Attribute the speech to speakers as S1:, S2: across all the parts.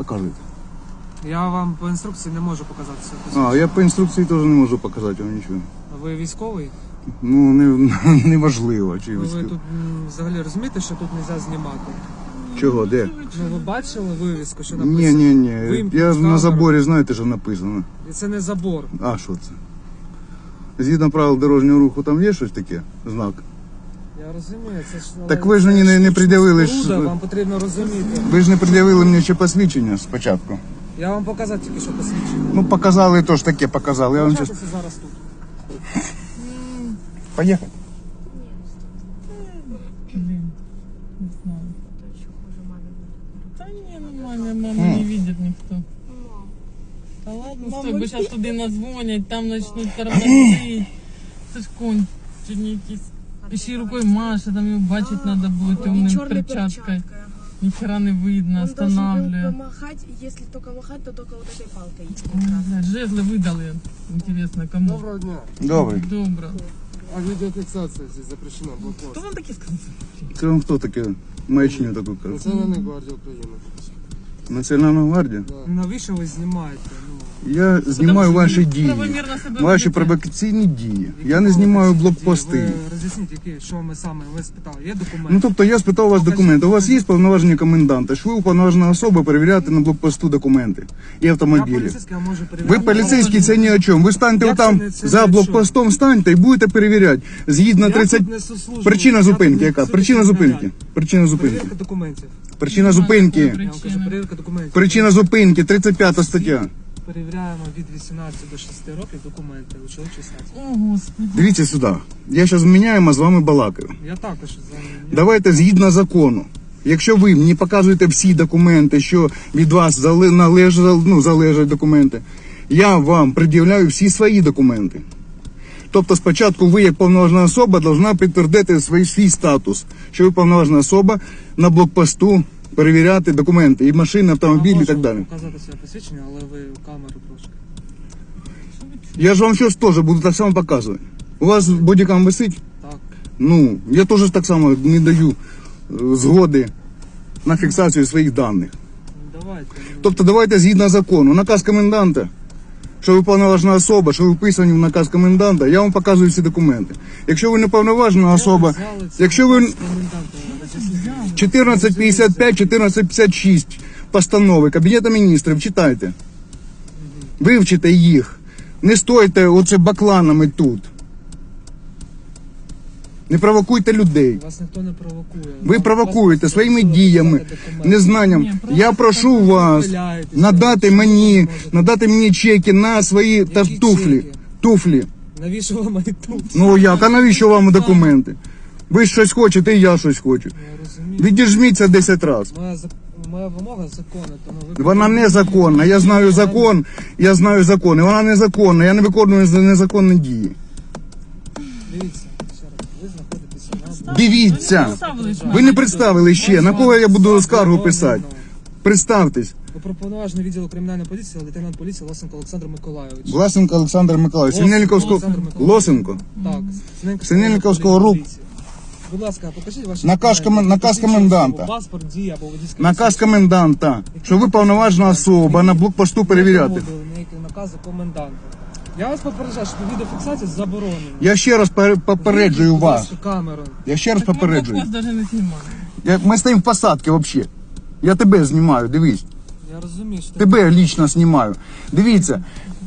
S1: Показуйте.
S2: Я вам по інструкції не можу показати все посвідчення.
S1: А, я по інструкції теж не можу показати вам нічого.
S2: А ви військовий?
S1: Ну, не важливо. Чи
S2: Ви
S1: військовий.
S2: тут взагалі розумієте, що тут не можна знімати?
S1: Чого, де?
S2: Ну ви бачили вивіску, що написано?
S1: Ні.
S2: Вимкніть
S1: Я
S2: камеру.
S1: на заборі, знаєте, що написано.
S2: І це не забор.
S1: А, що це? Згідно правил дорожнього руху, там є щось таке? Знак?
S2: Я розумію, це ж...
S1: Так ви ж мені не пред'явили,
S2: Споруда,
S1: що...
S2: вам потрібно розуміти.
S1: Ви ж не пред'явили мені ще посвідчення спочатку.
S2: Я вам показав тільки що посвідчення.
S1: Ну, показали, то ж таке показали. Я вам щас...
S2: Залишайтеся зараз тут.
S1: Поїхали.
S3: Не знаю. Да не, нормально, мама не видит никто. Да ладно, стой, бо сейчас туди назвонять, там начнут тормозить. Це ж конь, чи не якийсь. Ще й рукою Маша, там його бачить треба буде темною перчаткою. Нихера не видно,
S4: Он должен
S3: останавливает.
S4: помахать, если только махать, то только вот этой палкой.
S3: Блядь, жезлы выдали. Интересно, кому?
S2: Доброго дня.
S1: Добре.
S3: Добро.
S2: А відеофіксація здесь запрещена, блокпост.
S3: Кто вам таки сказал?
S1: Це вам хто таке маячню таку каже?
S2: Національна гвардія України.
S1: Національна гвардія?
S2: Навіщо ви знімаєте?
S1: Я знімаю ваші дії.
S3: Правомірно себе
S1: Ваші
S3: ведете.
S1: провокаційні дії. Я не знімаю блокпости.
S2: Ви роз'ясніть, що ми саме ви спитали. Є документи?
S1: Ну, тобто я спитав у вас документи. У вас є повноваження коменданта? Що ви уповноважена особа перевіряти на блокпосту документи і
S2: Я
S1: автомобілі?
S2: поліцейський, я можу перевіряти.
S1: Ви поліцейський, це ні о чому. Ви станьте
S2: Як
S1: там
S2: це
S1: за
S2: ні о
S1: блокпостом, станьте і будете перевіряти. Згідно
S2: Я
S1: 30...
S2: тут несу службу.
S1: Причина
S2: Я
S1: зупинки
S2: тут
S1: яка?
S2: несу
S1: Причина
S2: службу.
S1: зупинки. Причина зупинки.
S2: Перевірка документів.
S1: Причина зупинки.
S2: Я вам кажу, перевірка документів.
S1: Причина зупинки, 35 стаття.
S2: Перевіряємо від 18 до 6 років документи у чоловічій статі.
S3: О, Господи.
S1: Дивіться сюди. Я зараз міняємо, а з вами балакаю.
S2: Я також за
S1: Давайте згідно закону. Якщо ви мені показуєте всі документи, що від вас залежать документи, я вам пред'являю всі свої документи. Тобто спочатку ви, як повноважна особа, повинна підтвердити свій статус, що ви повноважна особа на блокпосту перевіряти документи, і машини, автомобілі і так далі.
S2: показати своє посвідчення, але ви камеру трошки.
S1: Я ж вам щось теж буду так само показувати. У вас бодікам висить?
S2: Так.
S1: Ну, я теж так само не даю згоди на фіксацію своїх даних.
S2: Давайте.
S1: Тобто давайте згідно закону. Наказ коменданта, що ви повноважна особа, що ви вписані в наказ коменданта, я вам показую всі документи. Якщо ви не повноважна особа, якщо ви 1455, 1456 постанови Кабінету міністрів, читайте. Вивчите їх. Не стойте оце бакланами тут. Не провокуйте людей.
S2: Вас ніхто не провокує.
S1: Ви провокуєте своїми діями, незнанням. Я прошу вас надати мені чеки на свої туфлі. Туфлі.
S2: Навіщо вам мої тут?
S1: Ну як, а навіщо вам документи? Ви щось хочете, і я щось хочу.
S2: Я розумію.
S1: Відіжміться 10 разів.
S2: Моя вимога законна, тому ви...
S1: Вона незаконна. Я знаю закон, і вона незаконна. Я не виконую незаконні дії.
S2: Дивіться, ще раз, ви знаходитеся на...
S1: Дивіться. Ви не представили ще, на кого я буду скаргу писати. Представтесь.
S2: Ви проповноважений відділу кримінальної поліції, лейтенант поліції Лосенко Олександр Миколайович.
S1: Власенко Олександр Миколаївич. Синельниковського...
S2: Олександр Миколайович.
S1: Лосенко.
S2: Так.
S1: Синельниковського рук.
S2: Будь ласка, покажіть ваші
S1: Наказ
S2: документи.
S1: наказ
S2: Посвідчення
S1: коменданта.
S2: особи, Паспорт, дія або водійське
S1: Наказ
S2: посвідчення.
S1: коменданта, що ви повноважна особа на блокпосту перевіряти.
S2: Не проводили ніякі накази коменданта. Я вас попереджаю, що відеофіксація заборонена.
S1: Я ще раз попереджую
S2: Будь
S1: вас.
S2: ласка, камеру.
S1: Я ще раз попереджую.
S3: Вас даже не снимали.
S1: Ми стоїмо в посадці взагалі. Я тебе знімаю, дивись.
S2: Я розумію, що
S1: Тебе лично знімаю. Дивіться.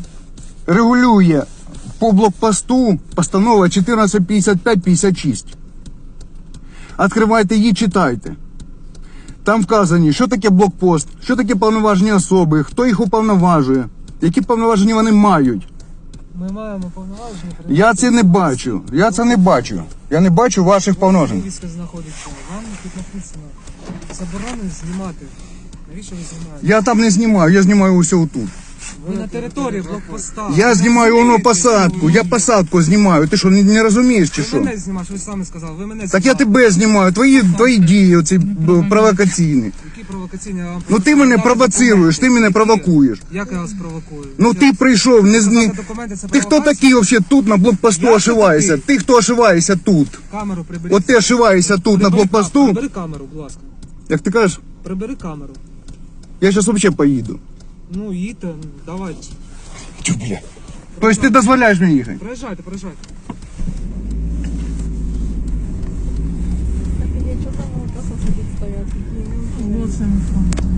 S1: Регулює по блокпосту постанова 1455-56. Відкривайте її, читайте. Там вказані, що таке блокпост, що таке повноважені особи, хто їх уповноважує, які повноваження вони мають.
S2: ми маємо повноваження.
S1: Я це не бачу. Я це не бачу. Я не бачу ваших повноважень.
S2: Війська знаходиться. Вам тут написано. Заборонено знімати. Навіщо ви знімаєте?
S1: Я там не знімаю, я знімаю усе отут.
S2: Ви на території блокпоста.
S1: Я знімаю воно посадку, я посадку знімаю. Ти що, не розумієш чи
S2: Ви
S1: що?
S2: мене знімаєш, ви самі сказали. Ви мене
S1: Так я
S2: знімали.
S1: тебе знімаю, твої дії оці провокаційні.
S2: Які провокаційні? Я вам
S1: Ну ти мене провоцируєш, ти мене провокуєш.
S2: Як я вас провокую?
S1: Ну ти прийшов, не
S2: Показати документи, це
S1: Ти хто
S2: провокація?
S1: такий взагалі тут на блокпосту
S2: Я хто
S1: ошиваєшся?
S2: такий?
S1: Ти хто ошиваєшся тут?
S2: Камеру приберіть.
S1: От ти ошиваєшся тут на блокпосту.
S2: Прибери камеру, будь ласка.
S1: Як ти кажеш?
S2: Прибери камеру.
S1: Я зараз взагалі поїду.
S2: Ну, їдьте, давайте.
S1: Чу, бля. Тобто ти дозволяєш мені їхати?
S2: Проїжджайте, проїжджайте.
S3: Вот сам.